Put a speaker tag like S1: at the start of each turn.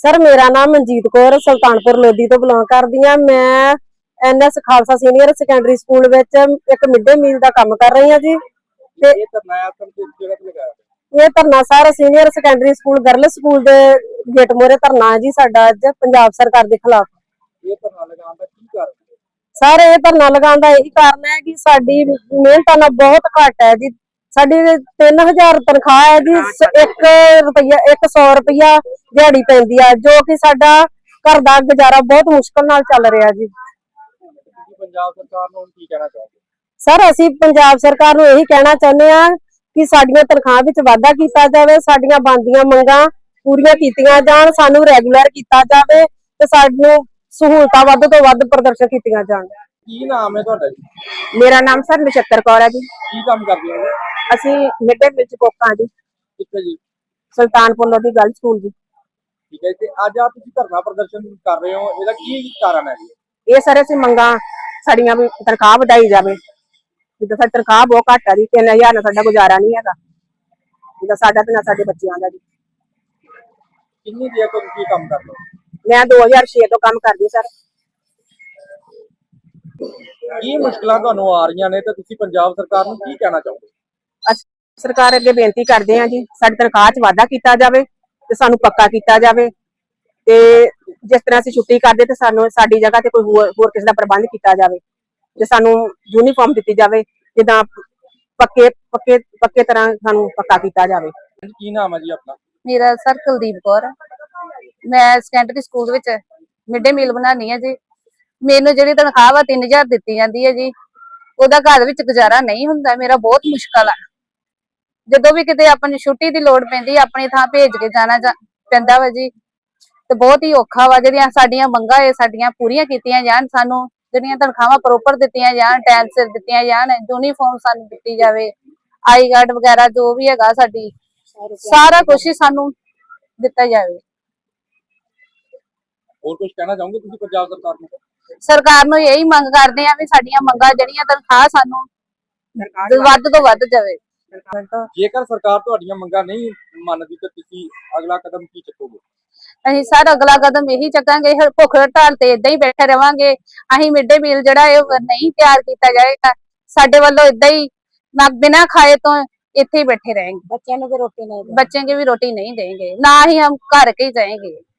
S1: Sir मेरा नाम मनजीत कौर सुल्तानपुर लोधी तो बिलोंग करदी हां। मैं NS Khalsa senior secondary school विच एक मिड डे मील का काम कर रही हां जी। ते ये धरना sir senior secondary school girl school दे गेट मोरे धरना है जी साडा अज पंजाब सरकार के खिलाफ। सर ये धरना लगाने का यही कारण है कि साडी मेहनत ना बहुत घट है जी। साडी 3000 तनख्वाह है जी, 100 रुपया दिहाड़ी पैंदी है, जो कि साडा घर दा गुजारा बहुत मुश्किल नाल चल रहा जी। सर असीं पंजाब सरकार नूं यही कहना चाहुंदे आ कि साडियां तनख्वाह विच वाधा कीता जावे, साडियां बनदियां मंगां पूरीआं कीतीआं जाण, सानूं रैगूलर कीता जावे ते सानूं सहूलतां वध तो वध प्रदर्शन कीतीआं जाण।
S2: ਕੀ ਨਾਮ ਹੈ ਤੁਹਾਡਾ ਜੀ?
S3: मेरा नाम सर नक्षत्र कौर है जी।
S2: ਕੀ ਕੰਮ ਕਰਦੇ ਹੋ?
S3: ਅਸੀਂ ਮਿਡ ਡੇ ਮੀਲ ਚ ਕੋਕਾਂ जी,
S2: ਕਿੱਥੇ ਜੀ?
S3: ਸੁਲਤਾਨਪੁਰ ਲੋਧੀ गर्ल स्कूल जी।
S2: ਠੀਕ ਹੈ ਤੇ ਅੱਜ ਆ ਤੁਸੀਂ ਧਰਨਾ ਪ੍ਰਦਰਸ਼ਨ ਕਰ ਰਹੇ ਹੋ, ਇਹਦਾ ਕੀ ਕਾਰਨ ਹੈ ਜੀ?
S3: ਇਹ ਸਾਰੇ ਅਸੀਂ ਮੰਗਾਂ ਸਾਡੀਆਂ ਵੀ ਤਨਖਾਹ ਵਧਾਈ ਜਾਵੇ। ਜਿੱਦਾਂ ਸਾਡੀ ਤਨਖਾਹ ਬਹੁਤ ਘੱਟ ਆ ਜੀ, 3000 ਨਾਲ ਸਾਡਾ ਗੁਜ਼ਾਰਾ ਨਹੀਂ ਹੈਗਾ, ਜਿੱਦਾਂ ਸਾਡਾ ਤੇ ਨਾ ਸਾਡੇ ਬੱਚਿਆਂ ਦਾ ਜੀ।
S2: ਕਿੰਨੀ ਦੇਰ ਤੋਂ ਤੁਸੀਂ ਕੰਮ ਕਰ ਰਹੇ ਹੋ?
S3: ਮੈਂ 2006 ਤੋਂ ਕੰਮ ਕਰਦੀ ਸਰ।
S2: ਕੀ ਮੁਸ਼ਕਲਾਂ ਤੁਹਾਨੂੰ ਆ ਰਹੀਆਂ ਨੇ ਤੇ ਤੁਸੀਂ ਪੰਜਾਬ ਸਰਕਾਰ ਨੂੰ ਕੀ ਕਹਿਣਾ ਚਾਹੋਗੇ?
S3: ਅਸੀਂ ਸਰਕਾਰ ਅੱਗੇ ਬੇਨਤੀ ਕਰਦੇ ਹਾਂ ਜੀ, ਸਾਡੀ ਤਨਖਾਹ 'ਚ ਵਾਧਾ ਕੀਤਾ ਜਾਵੇ ਤੇ ਸਾਨੂੰ ਪੱਕਾ ਕੀਤਾ ਜਾਵੇ, ਤੇ ਜਿਸ ਤਰ੍ਹਾਂ ਅਸੀਂ ਛੁੱਟੀ ਕਰਦੇ ਤੇ ਸਾਨੂੰ ਸਾਡੀ ਜਗ੍ਹਾ ਤੇ ਕੋਈ ਹੋਰ ਕਿਸੇ ਦਾ ਪ੍ਰਬੰਧ ਕੀਤਾ ਜਾਵੇ, ਤੇ ਸਾਨੂੰ ਯੂਨੀਫਾਰਮ ਦਿੱਤੀ ਜਾਵੇ, ਜਿੱਦਾਂ ਪੱਕੇ ਤਰ੍ਹਾਂ ਸਾਨੂੰ ਪੱਕਾ ਕੀਤਾ ਜਾਵੇ।
S2: ਕੀ ਨਾਮ ਹੈ ਜੀ ਆਪਣਾ?
S4: मेरा सर कुलदीप कौर, मैं सैकेंडरी स्कूल विच मिड डे मील बनानी है जी। मैनू जिहड़ी तनख्वाह वा 3000 दित्ती जाती है जी, ओहदा घर विच गुजारा नहीं हुंदा, मेरा बहुत मुश्किल है। जदों भी किते अपनी छुट्टी दी लोड़ पैंदी अपनी थां भेज के जाना पैंदा वा जी, ते बहुत ही औखा वा। जिहड़ियां साडीआं मंगां है साडीआं पूरीआं कीतीआं जाण, सानू जिहड़ियां तनख्वाहां प्रॉपर दित्तियां जाण, टाइम सिर दित्तियां जाण, यूनीफॉर्म सानू दित्ती जावे, आई कार्ड वगैरह जो भी हैगा साडी सारा कुछ ही सानू दिता जाए।
S2: ਹੋਰ ਕੁਝ ਕਹਿਣਾ ਚਾਹੋਗੇ ਤੁਸੀਂ ਪੰਜਾਬ ਸਰਕਾਰ ਨੂੰ?
S4: सरकार नूं यही मंग करदे आ भी साडीआं मंगां जिहड़ियां तनखाह सानू वध तो वध जावे।
S2: ਜੇਕਰ ਸਰਕਾਰ ਤੁਹਾਡੀਆਂ ਮੰਗਾਂ ਨਹੀਂ ਮੰਨਦੀ ਤਾਂ ਤੁਸੀਂ ਅਗਲਾ ਕਦਮ ਕੀ ਚੁੱਕੋਗੇ?
S4: ਅਸੀਂ सर अगला कदम यही चकांगे, भुख हड़ताल ते इदां ही बैठे रहांगे। ਅਸੀਂ मिड डे मील जिहड़ा है नहीं तैयार कीता जाएगा, साडे ਵੱਲੋਂ इदां ही ना बिना खाए तो इत्थे ही बैठे रहेंगे। बच्चों को भी रोटी नहीं देंगे, ना ही हम घर के ही जाएंगे।